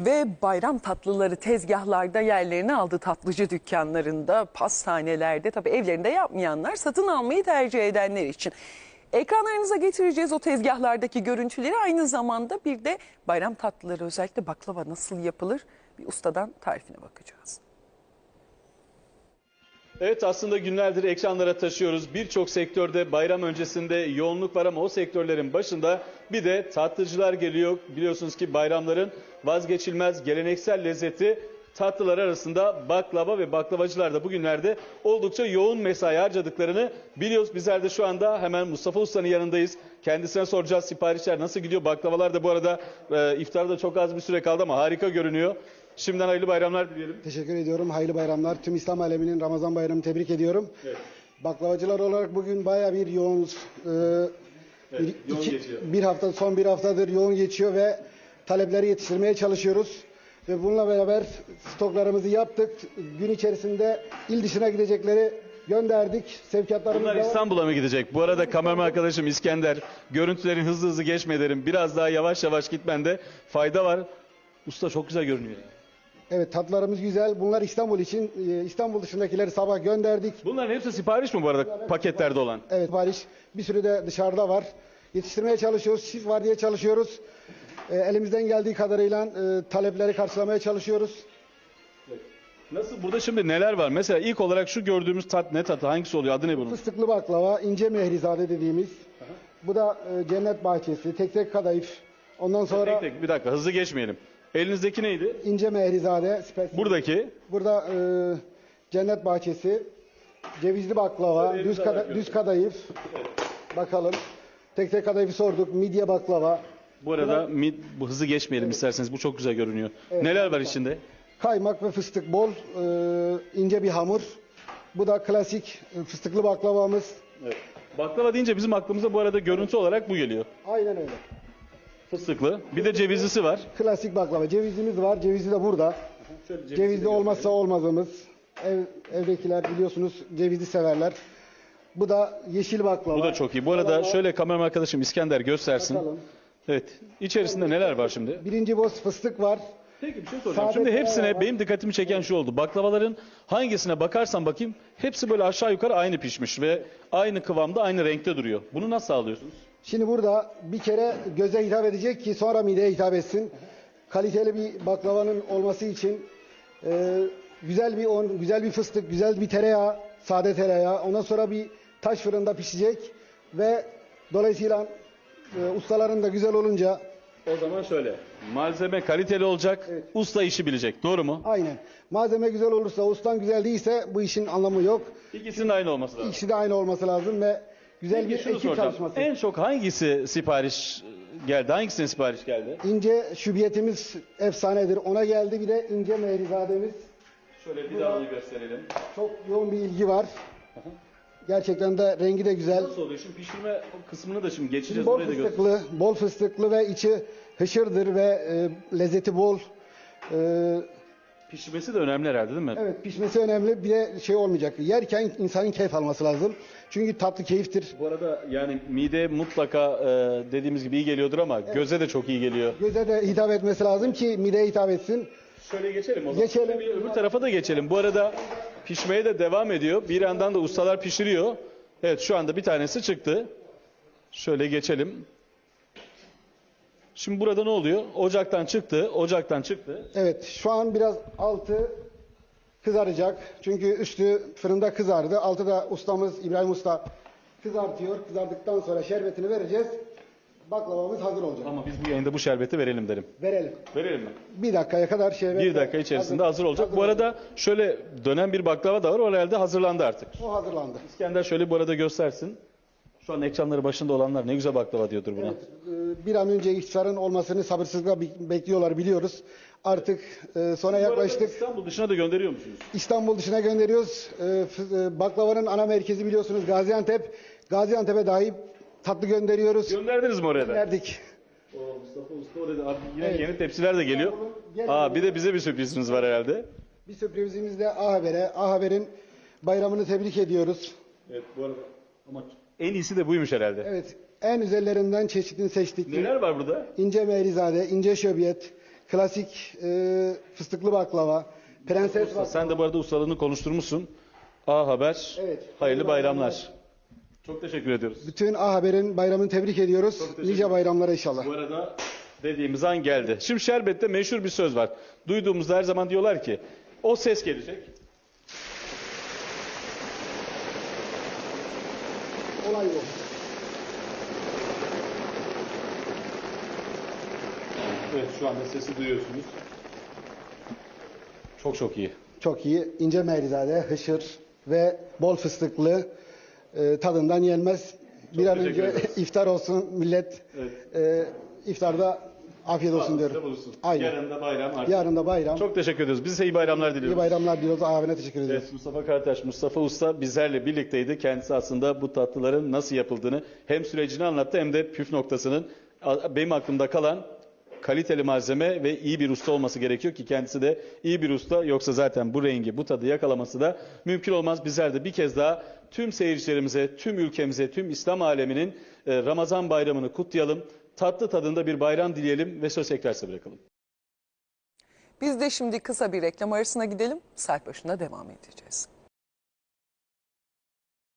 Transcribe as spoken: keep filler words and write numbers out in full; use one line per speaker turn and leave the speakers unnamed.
Ve bayram tatlıları tezgahlarda yerlerini aldı, tatlıcı dükkanlarında, pastanelerde, tabii evlerinde yapmayanlar, satın almayı tercih edenler için. Ekranlarınıza getireceğiz o tezgahlardaki görüntüleri, aynı zamanda bir de bayram tatlıları, özellikle baklava nasıl yapılır, bir ustadan tarifine bakacağız.
Evet, aslında günlerdir ekranlara taşıyoruz. Birçok sektörde bayram öncesinde yoğunluk var ama o sektörlerin başında bir de tatlıcılar geliyor. Biliyorsunuz ki bayramların vazgeçilmez geleneksel lezzeti tatlılar arasında baklava ve baklavacılar da bugünlerde oldukça yoğun mesai harcadıklarını biliyoruz. Bizler de şu anda hemen Mustafa Usta'nın yanındayız. Kendisine soracağız, siparişler nasıl gidiyor? Baklavalar da bu arada e, iftarda çok az bir süre kaldı ama harika görünüyor. Şimdiden hayırlı bayramlar dileyelim.
Teşekkür ediyorum. Hayırlı bayramlar. Tüm İslam aleminin Ramazan bayramını tebrik ediyorum.
Evet.
Baklavacılar olarak bugün bayağı bir yoğunuz. Ee,
Evet,
bir,
yoğun
iki-
geçiyor.
bir hafta, son bir haftadır yoğun geçiyor ve talepleri yetiştirmeye çalışıyoruz. Ve bununla beraber stoklarımızı yaptık. Gün içerisinde il dışına gidecekleri gönderdik. Sevkiyatlarımız
Bunlar
da var.
İstanbul'a mı gidecek? Bu arada kameraman arkadaşım İskender, görüntülerin hızlı hızlı geçme derim. Biraz daha yavaş yavaş gitmende fayda var. Usta çok güzel görünüyor.
Evet, tatlarımız güzel. Bunlar İstanbul için. Ee, İstanbul dışındakileri sabah gönderdik.
Bunların hepsi sipariş mi bu arada paketlerde olan?
Evet, sipariş bir sürü de dışarıda var. Yetiştirmeye çalışıyoruz, şif var diye çalışıyoruz. Ee, elimizden geldiği kadarıyla e, talepleri karşılamaya çalışıyoruz.
Nasıl? Burada şimdi neler var? Mesela ilk olarak şu gördüğümüz tat ne tatı? Hangisi oluyor? Adı ne bunun?
Fıstıklı baklava, ince mehrizade dediğimiz. Bu da e, cennet bahçesi, tek tek kadayıf. Ondan sonra
Tek tek bir dakika hızlı geçmeyelim. Elinizdeki neydi?
ince mehrizade, spesiyel.
Buradaki.
Burada e, cennet bahçesi, cevizli baklava,
Şöyle
düz,
elinize
kada-
bırakıyorum.
düz kadayıf. Bakalım. Tek tek kadayıfı sorduk, midye baklava.
Bu arada mid, bu hızlı geçmeyelim isterseniz. Bu çok güzel görünüyor. Neler var içinde?
Kaymak ve fıstık bol, e, ince bir hamur. Bu da klasik e, fıstıklı baklavamız.
Evet. Baklava deyince bizim aklımıza bu arada görüntü olarak bu geliyor.
Aynen öyle.
Fıstıklı. Bir de cevizlisi var.
Klasik baklava. Cevizimiz var. Cevizi de burada. Cevizli olmazsa olmazımız. Ev, evdekiler biliyorsunuz cevizi severler. Bu da yeşil baklava.
Bu da çok iyi. Bu arada şöyle kameraman arkadaşım İskender göstersin.
Bakalım.
Evet. İçerisinde neler var şimdi?
Birinci boz fıstık var.
Peki bir şey soracağım.
Sade
Şimdi hepsine
tereyağı var.
benim dikkatimi çeken şu oldu. Baklavaların hangisine bakarsan bakayım hepsi böyle aşağı yukarı aynı pişmiş ve aynı kıvamda aynı renkte duruyor. Bunu nasıl sağlıyorsunuz?
Şimdi burada bir kere göze hitap edecek ki sonra mideye hitap etsin. Kaliteli bir baklavanın olması için e, güzel bir un, güzel bir fıstık, güzel bir tereyağı, sade tereyağı. Ondan sonra bir taş fırında pişecek ve dolayısıyla e, ustaların da güzel olunca
O zaman şöyle. Malzeme kaliteli olacak, usta işi bilecek. Doğru mu?
aynen. Malzeme güzel olursa, ustan güzel değilse bu işin anlamı yok.
İkisinin aynı olması lazım.
İkisi de aynı olması lazım ve güzel
Peki
bir
şunu
ekip
soracağım.
çalışması.
En çok hangisi sipariş geldi? Hangisine sipariş geldi?
İnce şübiyetimiz efsanedir. Ona geldi, bir de ince mehrizademiz.
Şöyle bir daha onu gösterelim.
Çok yoğun bir ilgi var. Gerçekten de rengi de güzel.
Nasıl oluyor? Şimdi pişirme kısmını da şimdi geçeceğiz.
Bol
Orayı da göster.
fıstıklı, bol fıstıklı ve içi hışırdır ve e, lezzeti bol. E,
Pişirmesi de önemli herhalde değil mi?
evet, pişmesi önemli. Bir de şey olmayacak. Yerken insanın keyif alması lazım. Çünkü tatlı keyiftir.
Bu arada yani mide mutlaka e, dediğimiz gibi iyi geliyordur ama göze de çok iyi geliyor.
Göze de hitap etmesi lazım ki mideye hitap etsin.
Şöyle geçelim o zaman.
Geçelim.
Bir öbür tarafa da geçelim. Bu arada pişmeye de devam ediyor. Bir yandan da ustalar pişiriyor. Evet, şu anda bir tanesi çıktı. Şöyle geçelim. Şimdi burada ne oluyor? Ocaktan çıktı, ocaktan çıktı.
Evet, şu an biraz altı kızaracak. Çünkü üstü fırında kızardı. Altı da ustamız İbrahim Usta kızartıyor. Kızardıktan sonra şerbetini vereceğiz. Baklavamız hazır olacak.
Ama biz bu yayında bu şerbeti verelim derim.
Verelim.
Verelim mi?
Bir dakikaya kadar şerbet.
Bir dakika içerisinde hazır olacak. Bu arada şöyle dönen bir baklava da var. O herhalde hazırlandı artık.
O hazırlandı.
İskender şöyle bu arada göstersin. Şu an ekranları başında olanlar ne güzel baklava diyordur buna.
Evet, e, bir an önce iftarın olmasını sabırsızlıkla bi- bekliyorlar, biliyoruz. Artık e, sona
Bu arada
yaklaştık.
İstanbul dışına da gönderiyor musunuz?
İstanbul dışına gönderiyoruz. E, f- e, baklavanın ana merkezi biliyorsunuz Gaziantep. Gaziantep'e dahi tatlı gönderiyoruz.
Gönderdiniz mi oraya da?
Gönderdik.
Oo, Mustafa Usta orada abi yine
Evet.
yeni tepsiler de geliyor.
Gel-
Aa, bir de bize bir sürpriziniz var herhalde.
Bir sürprizimiz de A Haber'e. A Haber'in bayramını tebrik ediyoruz.
Evet, bu arada ama en iyisi de buymuş herhalde.
Evet, en üzerlerinden çeşitini seçtik.
Neler var burada?
İnce mehrizade, ince şöbiyet, klasik e, fıstıklı baklava, prenses baklava.
Sen de bu arada ustalığını konuşturmuşsun. A Haber,
Evet.
hayırlı bayramlar.
bayramlar.
Çok teşekkür ediyoruz.
Bütün A Haber'in bayramını tebrik ediyoruz.
teşekkür
Nice bayramlara inşallah.
Bu arada dediğimiz an geldi. Şimdi şerbette meşhur bir söz var. Duyduğumuzda her zaman diyorlar ki o ses gelecek.
Olay yok.
Evet, şu anda sesi duyuyorsunuz. Çok çok iyi.
Çok iyi. İnce meyrizade, hışır ve bol fıstıklı, e, tadından yenmez. Bir an
teşekkür
önce
ederiz.
iftar olsun millet. E, iftarda afiyet olsun diyorum.
Bulursun.
Aynen.
Yarın da bayram artık.
Yarın da bayram.
Çok teşekkür ediyoruz. Biz size iyi bayramlar diliyoruz.
İyi bayramlar diliyoruz. Abine teşekkür ediyoruz.
Evet, Mustafa Karataş, Mustafa Usta bizlerle birlikteydi. Kendisi aslında bu tatlıların nasıl yapıldığını hem sürecini anlattı hem de püf noktasının benim aklımda kalan kaliteli malzeme ve iyi bir usta olması gerekiyor ki kendisi de iyi bir usta. Yoksa zaten bu rengi, bu tadı yakalaması da mümkün olmaz. Bizler de bir kez daha tüm seyircilerimize, tüm ülkemize, tüm İslam aleminin Ramazan bayramını kutlayalım. Tatlı tadında bir bayram dileyelim ve söz tekrar size bırakalım.
Biz de şimdi kısa bir reklam arasına gidelim. Saat başında devam edeceğiz.